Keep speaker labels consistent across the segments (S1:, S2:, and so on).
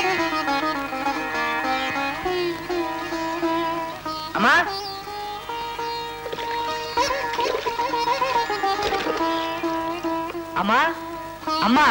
S1: అమ్మా అమ్మా అమ్మా.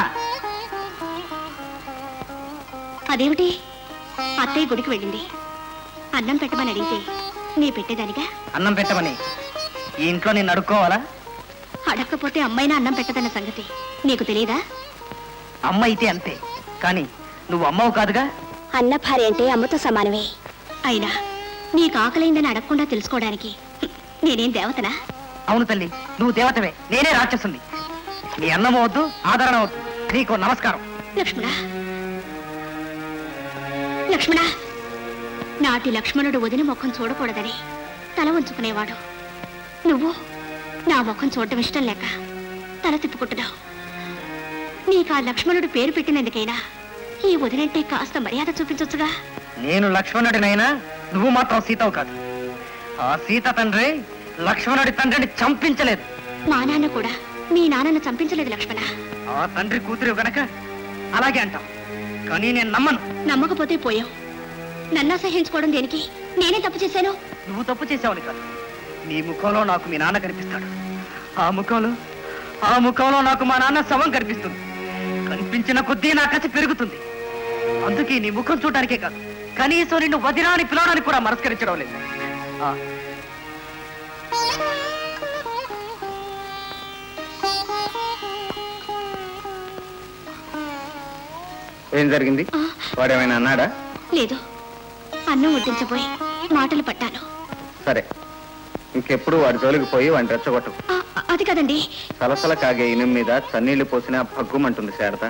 S2: అదేమిటి? అత్తయ్య గుడికి వెళ్ళింది. అన్నం పెట్టమని అడిగితే నీ పెట్టేదానిగా.
S1: అన్నం పెట్టమని ఈ ఇంట్లో నేను అడుక్కోవాలా?
S2: అడగకపోతే అమ్మైనా అన్నం పెట్టదన్న సంగతి నీకు తెలియదా?
S1: అమ్మ అయితే అంతే, కానీ నువ్వు అమ్మవు కాదుగా.
S2: అన్న భార్య అంటే అమ్మతో సమానమే. అయినా నీకు ఆకలైందని అడగకుండా తెలుసుకోవడానికి నేనేం దేవతనా?
S1: అవును తల్లి, నువ్వు దేవతవే, నేనే రాక్షసుని. నీ అన్నం వద్దు, ఆదరణ వద్దు, నీకు నమస్కారం.
S2: లక్ష్మణ, లక్ష్మణ, నాటి లక్ష్మణుడు వదిన ముఖం చూడకూడదని తల ఉంచుకునేవాడు. నువ్వు నా ముఖం చూడటం ఇష్టం లేక తల తిప్పుకుంటున్నావు. నీకు ఆ లక్ష్మణుడు పేరు పెట్టినందుకైనా ఈ వదినంటే కాస్త మర్యాద చూపించొచ్చుగా.
S1: నేను లక్ష్మణుడినైనా నువ్వు మాత్రం సీతవు కాదు. ఆ సీత తండ్రి లక్ష్మణుడి తండ్రిని చంపించలేదు.
S2: మా నాన్న కూడా మీ నాన్నను చంపించలేదు లక్ష్మణ.
S1: ఆ తండ్రి కూతురు గనక అలాగే అంటాం, కానీ నేను నమ్మను.
S2: నమ్మకపోతే పోయావు. నన్ను అసహించుకోవడం దేనికి? నేనే తప్పు చేశాను.
S1: నువ్వు తప్పు చేసావని కాదు, నీ ముఖంలో నాకు మీ నాన్న కనిపిస్తాడు. ఆ ముఖంలో నాకు మా నాన్న శవం కనిపిస్తుంది. కనిపించిన కొద్దీ నా కసి పెరుగుతుంది. అందుకే నీ ముఖం చూడడానికే కాదు, కనీసం నిన్ను వదినాన్ని పిలవడానికి కూడా మనస్కరించడం లేదు. ఏం జరిగింది? వాడేమైనా అన్నాడా?
S2: లేదు, అన్నం వడ్డించబోయి మాటలు పట్టాను.
S1: సరే, ఇంకెప్పుడు వాడి జోలికి పోయి వాడిని రెచ్చగొట్టు.
S2: అది కదండి.
S1: సలసల కాగే ఇనుం మీద చన్నీళ్లు పోసినా భగ్గుమంటుంది శారద.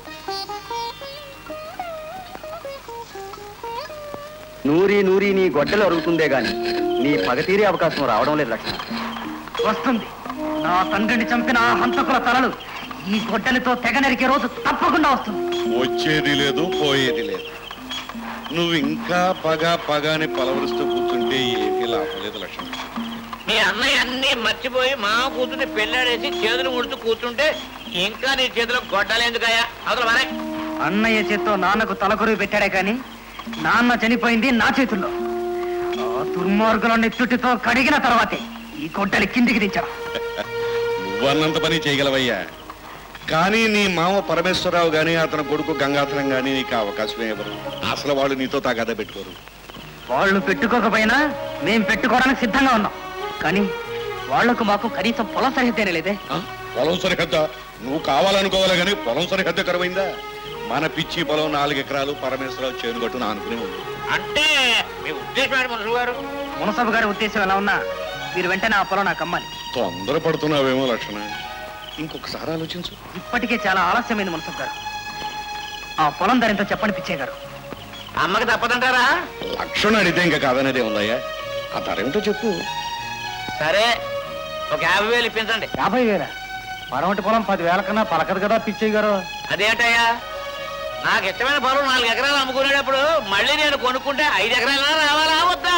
S1: నూరి నీ గొడ్డలు అరుగుతుందే గాని నీ పగతీరే అవకాశం రావడం లేదు లక్ష్మణ. వస్తుంది. నా తండ్రిని చంపిన ఆ హంతకుల తలలు ఈ గొడ్డలితో తెగ నరికే రోజు తప్పకుండా వస్తుంది.
S3: వచ్చేది లేదు, పోయేది లేదు. నువ్వు ఇంకా పగాని పలవరుస్తూ కూర్చుంటే ఏమీ లాభం లేదు లక్ష్మణ.
S4: మీ అన్నయ్య అన్ని మర్చిపోయి మా కూతుర్ని పెళ్ళాడేసి చేతులు ముడుతూ కూర్చుంటే ఇంకా నీ చేతిలో గొడ్డలేందుకయ్యా? అవతల మరే.
S1: అన్నయ్య చేత్తో నాన్నకు తలకొరువు పెట్టాడే కానీ నాన్న చనిపోయింది నా చేతుల్లో. ఆ దుర్మార్గులని తుట్టితో కడిగిన తర్వాతే ఈ గొడ్డలి కిందికి దించాడు.
S3: నువ్వన్నంత పని చేయగలవయ్యా, కానీ నీ మామ పరమేశ్వరరావు గాని అతని కొడుకు గంగాధరం గాని నీకు అవకాశమే ఇవ్వరు. అసలు వాళ్ళు నీతో తగాదా పెట్టుకోరు.
S1: వాళ్ళు పెట్టుకోకపోయినా మేం పెట్టుకోవడానికి సిద్ధంగా ఉన్నాం, కానీ వాళ్లకు మాకు కనీసం పొలం సరిహద్దేనే లేదే.
S3: పొలం సరిహద్ద నువ్వు కావాలనుకోవాలి కానీ పొలం సరిహద్ద కరువైందా? మన పిచ్చి పొలం 4 ఎకరాలు పరమేశ్వరరావు చేనుగట్టున అనుకునే ఉంది.
S4: అంటే మీ ఉద్దేశం ఏంటి మునసబు గారు?
S1: మునసబు గారి ఉద్దేశం ఎలా ఉన్నా మీరు వెంటనే ఆ పొలం నాకు అమ్మాలి.
S3: తొందరపడుతున్నావేమో లక్షణ, ఇంకొకసారి ఆలోచించు.
S1: ఇప్పటికే చాలా ఆలస్యమైంది మునసబు గారు. ఆ పొలం ధర ఎంతో చెప్పండి పిచ్చయ్య గారు.
S4: అమ్మకి తప్పదంటారా?
S3: లక్షణ అడిగితే ఇంకా కాదనేదే ఉందయ్యా. ఆ ధర ఏమిటో చెప్పు.
S4: సరే, ఒక 50,000 ఇప్పించండి.
S1: 50,000? మరొకటి పొలం 10,000 కన్నా పలకదు కదా పిచ్చయ్య గారు.
S4: అదేంటయ్యా, నాకు ఇష్టమైన పొలం 4 ఎకరాలు అమ్ముకునేటప్పుడు మళ్ళీ నేను కొనుక్కుంటే 5 ఎకరాలు రావాలా వద్దా?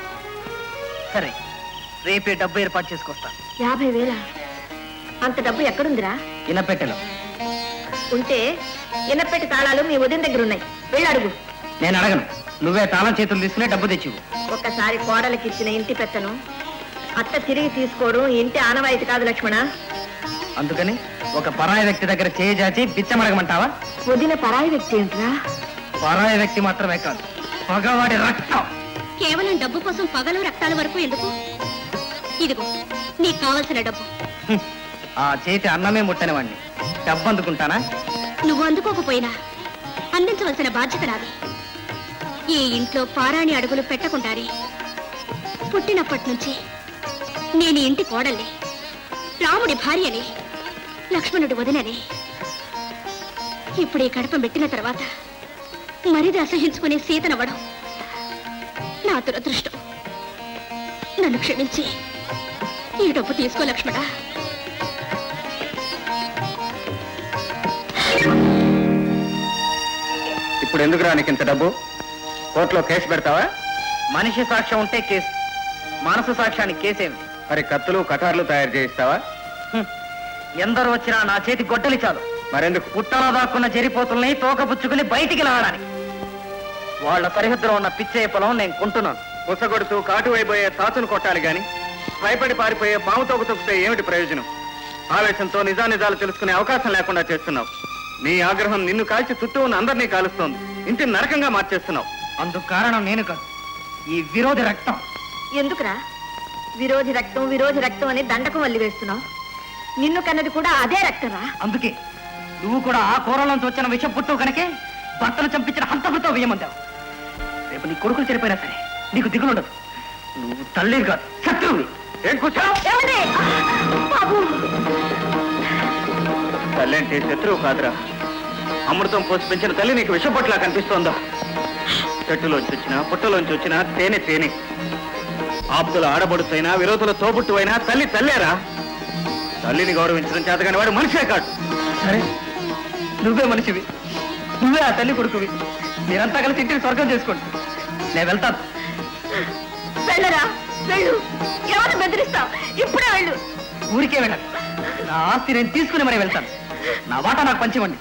S1: సరే, రేపే డబ్బు ఏర్పాటు చేసుకొస్తాను.
S2: 50,000? అంత డబ్బు ఎక్కడుందిరా?
S1: ఇనపెట్టెలో
S2: ఉంటే ఇనపెట్టి తాళాలు మీ ఉదయం దగ్గర ఉన్నాయి, వెళ్ళి అడుగు.
S1: నేను అడగను, నువ్వే తాళం చేతులు తీసుకునే డబ్బు తెచ్చివు.
S2: ఒక్కసారి కోడలికి ఇచ్చిన ఇంటి పెత్తను అత్త తిరిగి తీసుకోవడం ఇంటి ఆనవాయితీ కాదు లక్ష్మణ.
S1: అందుకని ఒక పరాయి వ్యక్తి దగ్గర చేయి చాచి బిచ్చమడగమంటావా?
S2: వదిన పరాయి వ్యక్తి ఏంట్రా?
S1: పరాయి వ్యక్తి మాత్రమే కాదు, పగవాడి రక్తం.
S2: కేవలం డబ్బు కోసం పగలు రక్తాల వరకు ఎందుకు? ఇదిగో నీకు కావలసిన డబ్బు.
S1: ఆ చేతి అన్నమే ముట్టని వాణ్ణి డబ్బు అందుకుంటానా?
S2: నువ్వు అందుకోకపోయినా అందించవలసిన బాధ్యత నాది. ఈ ఇంట్లో పారాణి అడుగులు పెట్టకుండానే పుట్టినప్పటి నుంచి నేను ఇంటి కోడల్ని, రాముడి భార్యని, లక్ష్మణుడి వదినని. ఇప్పుడు ఈ కడప పెట్టిన తర్వాత మరిది అసహించుకునే సీతనవ్వడం నా దురదృష్టం. నన్ను క్షమించి ఈ డబ్బు తీసుకో లక్ష్మణ.
S1: ఇప్పుడు ఎందుకు రానికి ఇంత డబ్బు? కోర్టులో కేసు పెడతావా? మనిషి సాక్ష్యం ఉంటే కేసు, మనసు సాక్ష్యానికి కేసేమిటి? మరి కత్తులు కటార్లు తయారు చేయిస్తావా? ఎందరు వచ్చినా నా చేతి గొడ్డలి చాలు. మరెందుకు? పుట్టలో దాక్కున్న జరిపోతుల్ని తోకపుచ్చుకుని బయటికి లాగడానికి. వాళ్ళ సరిహద్దులో ఉన్న పిచ్చయ్య పొలం నేను కొంటున్నాను. ఉసగొడుతూ కాటు వైపోయే తాచును కొట్టాలి గాని భయపడి పారిపోయే పాము తోక తొక్కితే ఏమిటి ప్రయోజనం? ఆవేశంతో నిజానిజాలు తెలుసుకునే అవకాశం లేకుండా చేస్తున్నావు. నీ ఆగ్రహం నిన్ను కాల్చి చుట్టూ ఉన్న అందరినీ కాలుస్తోంది. ఇంటిని నరకంగా మార్చేస్తున్నావు. అందుకు కారణం నేను కాదు, ఈ విరోధి రక్తం.
S5: ఎందుకురా విరోధి రక్తం అని దండకం వల్లి వేస్తున్నావు? నిన్ను కన్నది కూడా అదే రక్తరా?
S1: అందుకే నువ్వు కూడా ఆ కూరలోంచి వచ్చిన విషం పుట్టు కనుకే భర్తను చంపించిన హంతకుడితో వేయమంటావు. రేపు నీ కొడుకులు చనిపోయినా సరే నీకు దిగులుండదు. నువ్వు తల్లి కాదు, శత్రువుని. ఏం కూర్చోవు? తల్లి అంటే శత్రువు కాదురా. అమృతం పోసి పెంచిన తల్లి నీకు విషం పట్ల కనిపిస్తోందా? చెట్టులోంచి వచ్చినా పుట్టలోంచి వచ్చినా తేనె తేనె. ఆప్తుల ఆడబడుతైనా విరోధుల తోబుట్టు అయినా తల్లి తల్లేరా. తల్లిని గౌరవించడం చేతగాని వాడు మనిషే కాదు. సరే, నువ్వే మనిషివి, నువ్వే ఆ తల్లి కొడుకువి. మీరంతా కలిసి ఇంటిని స్వర్గం చేసుకోండి. నేను వెళ్తాను.
S5: వెళ్ళరా, వెళ్ళు. ఎవరు బెదిరిస్తావు? ఇప్పుడే వెళ్ళు.
S1: ఊరికే వెళ్ళాలి. నా ఆస్తి నేను తీసుకుని మరి వెళ్తాను. నా వాటా నాకు పంచివ్వండి.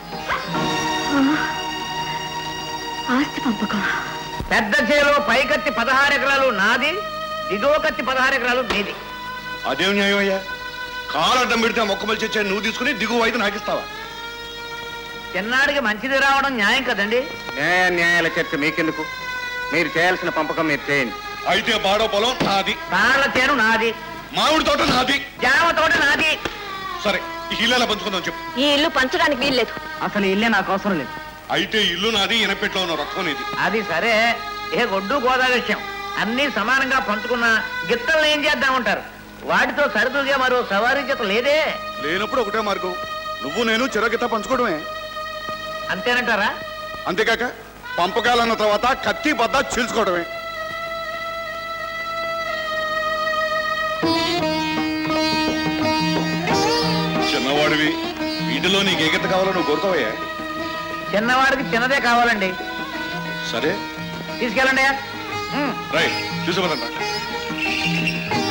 S5: ఆస్తి పంపకం.
S4: పెద్ద చేలో పైకత్తి 16 ఎకరాలు నాది, దిగువ కత్తి 16 ఎకరాలు నీది.
S3: అదేం న్యాయం అయ్యా? కాలడ్డం పెడితే మొక్కమలు చచ్చా నువ్వు తీసుకుని దిగువ అయితే నాకిస్తావా?
S4: చిన్నాడికి మంచిది రావడం న్యాయం కదండి.
S1: న్యాయాల చర్చ మీకెందుకు? మీరు చేయాల్సిన పంపకం మీరు చేయండి.
S3: అయితే బాడో పొలం నాది,
S4: తాళ్ళ చేను నాది,
S3: మామిడి తోట నాది,
S4: జామ తోట నాది.
S3: సరే ఈ ఇల్లు ఎలా పంచుకుందాం చెప్పు.
S5: ఈ ఇల్లు పంచడానికి వీల్లేదు.
S1: అసలు ఈ ఇల్లే నాకు అవసరం లేదు.
S3: అయితే ఇల్లు నాది, ఇనపెట్లో ఉన్న రొక్కం నీది.
S4: అది సరే, ఏ గొడ్డు గోదావరి విషయం అన్ని సమానంగా పంచుకున్న గిత్తలను ఏం చేద్దామంటారు? వాటితో సరిదూగే మరో సవారీ జత లేదే.
S3: లేనప్పుడు ఒకటే మార్గం, నువ్వు నేను చిరగిత పంచుకోవడమే.
S4: అంతేనంటారా?
S3: అంతేకాక పంపకాలన్న తర్వాత కత్తి బద్ద చీల్చుకోవడమే. చిన్నవాడివి, వీటిలో నీకు ఏ గీత కావాలో నువ్వు కోరుకోవయ్యా.
S4: చిన్నవాడికి చిన్నదే కావాలండి.
S3: సరే
S4: తీసుకెళ్ళండి.
S3: రైట్, చూసుకోవాలంట.